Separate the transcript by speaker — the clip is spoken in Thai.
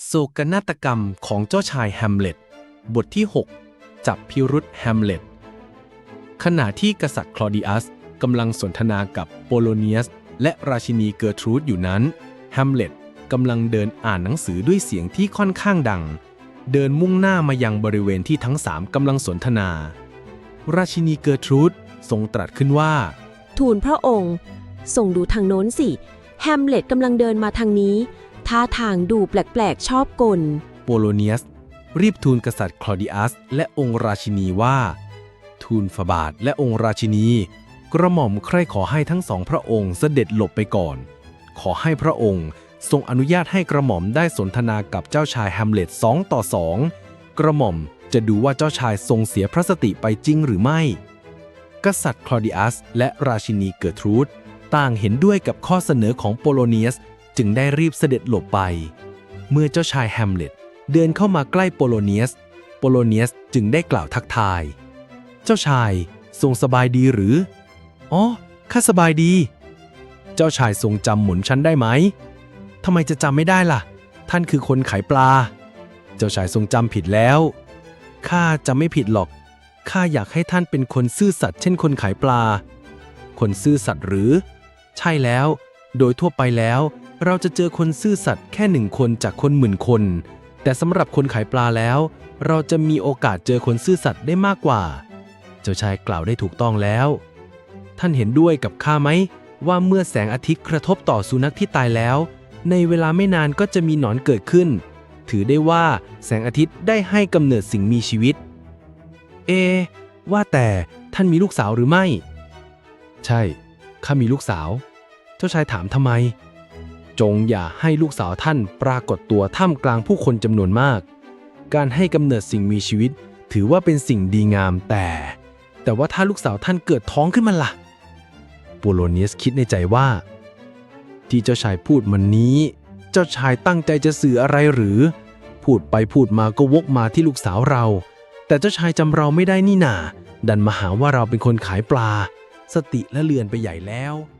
Speaker 1: โศกนาฏกรรมของเจ้าชายแฮมเล็ตบทที่ 6 จับพิรุธแฮมเล็ตขณะที่กษัตริย์คลอดิอัสกำลังสนทนากับโปโลเนียสและราชินีเกอร์ทรูดอยู่นั้นแฮมเล็ตกำลังเดินอ่านหนังสือด้วยเสียงที่ค่อนข้างดังเดินมุ่งหน้ามายังบริเวณที่ทั้งสามกำลังสนทนาราชินีเกอร์ทรูดทรงตรัสขึ้นว่า
Speaker 2: ทูลพระองค์ส่งดูทางโน้นสิแฮมเล็ตกำลังเดินมาทางนี้ท่าทางดูแปลกๆชอบกล
Speaker 1: โปโลเนียสรีบทูลกษัตริย์คลอดิอัสและองค์ราชินีว่าทูลฝ่าบาทและองค์ราชินีกระหม่อมใคร่ขอให้ทั้งสองพระองค์เสด็จหลบไปก่อนขอให้พระองค์ทรงอนุญาตให้กระหม่อมได้สนทนากับเจ้าชายแฮมเล็ต2 ต่อ 2กระหม่อมจะดูว่าเจ้าชายทรงเสียพระสติไปจริงหรือไม่กษัตริย์คลอดิอัสและราชินีเกอร์ทรูดต่างเห็นด้วยกับข้อเสนอของโปโลเนียสจึงได้รีบเสด็จหลบไปเมื่อเจ้าชายแฮมเล็ตเดินเข้ามาใกล้โปโลเนียสจึงได้กล่าวทักทายเจ้าชายทรงสบายดีหรืออ๋อข้าสบายดีเจ้าชายทรงจำหม่อมฉันได้ไหมทำไมจะจำไม่ได้ล่ะท่านคือคนขายปลาเจ้าชายทรงจำผิดแล้วข้าจำไม่ผิดหรอกข้าอยากให้ท่านเป็นคนซื่อสัตย์เช่นคนขายปลาคนซื่อสัตย์หรือใช่แล้วโดยทั่วไปแล้วเราจะเจอคนซื่อสัตย์แค่1 คนจากคน10,000 คนแต่สำหรับคนขายปลาแล้วเราจะมีโอกาสเจอคนซื่อสัตย์ได้มากกว่าเจ้าชายกล่าวได้ถูกต้องแล้วท่านเห็นด้วยกับข้าไหมว่าเมื่อแสงอาทิตย์กระทบต่อสุนัขที่ตายแล้วในเวลาไม่นานก็จะมีหนอนเกิดขึ้นถือได้ว่าแสงอาทิตย์ได้ให้กำเนิดสิ่งมีชีวิตว่าแต่ท่านมีลูกสาวหรือไม่ใช่ข้ามีลูกสาวเจ้าชายถามทำไมจงอย่าให้ลูกสาวท่านปรากฏตัวท่ามกลางผู้คนจำนวนมากการให้กำเนิดสิ่งมีชีวิตถือว่าเป็นสิ่งดีงามแต่ว่าถ้าลูกสาวท่านเกิดท้องขึ้นมาล่ะโปโลเนียสคิดในใจว่าที่เจ้าชายพูดมันนี้เจ้าชายตั้งใจจะสื่ออะไรหรือพูดไปพูดมาก็วกมาที่ลูกสาวเราแต่เจ้าชายจำเราไม่ได้นี่นาดันมาหาว่าเราเป็นคนขายปลาสติละเลือนไปใหญ่แล้ว